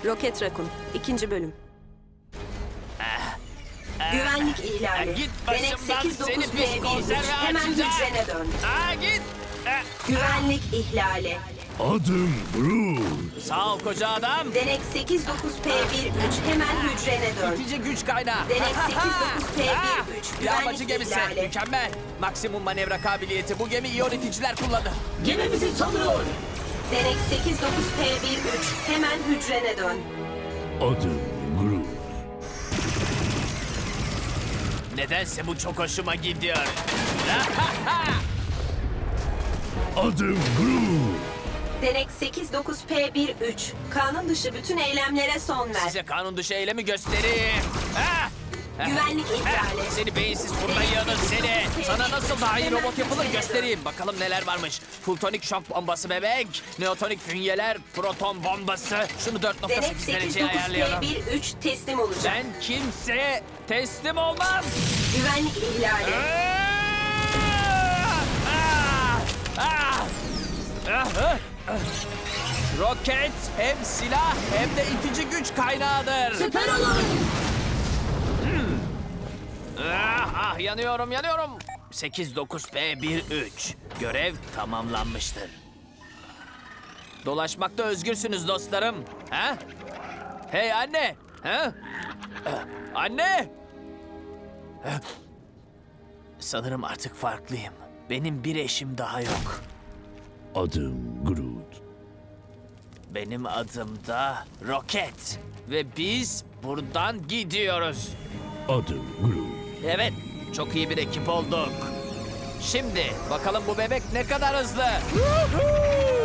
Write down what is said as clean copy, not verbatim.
Roket Raccoon 2. bölüm. Güvenlik ihlali. Git Denek başımdan, seni pis 89P13. konserve Hemen açacağım. hücrene dön. Git. Güvenlik ihlali. Adım Groot. Sağ ol koca adam. Denek 89P13. Hemen hücrene dön. İtici güç kaynağı. Denek 89P13. Yağmacı Güvenlik gemisi. ihlali. Mükemmel. Maksimum manevra kabiliyeti. Bu gemi iyon iticiler kullanır. Gemimizi saldırıyor. Denek 89P13. Hemen hücrene dön. Adım Groot. Nedense bu çok hoşuma gidiyor. Adım Groot. Denek 89P13. Kanun dışı bütün eylemlere son ver. Size kanun dışı eylemi göstereyim. Güvenlik ihlali. Seni beyinsiz fırla yığılır seni. Sana nasıl daha iyi robot yapılır göstereyim. Bakalım neler varmış. Fultonik şok bombası bebek. Neotonik fünyeler. Proton bombası. Şunu Denek 4.8 dereceye ayarlayalım. 89P13 teslim olacak. Ben kimseye teslim olmam. Güvenlik ihlali. Roket hem silah hem de itici güç kaynağıdır. Süper olun. Yanıyorum. 89P13. Görev tamamlanmıştır. Dolaşmakta özgürsünüz dostlarım. Ha? Hey anne. Ha? Anne. Sanırım artık farklıyım. Benim bir eşim daha yok. Adım Groot. Benim adım da Roket. Ve biz buradan gidiyoruz. Adım Groot. Evet, çok iyi bir ekip olduk. Şimdi bakalım bu bebek ne kadar hızlı.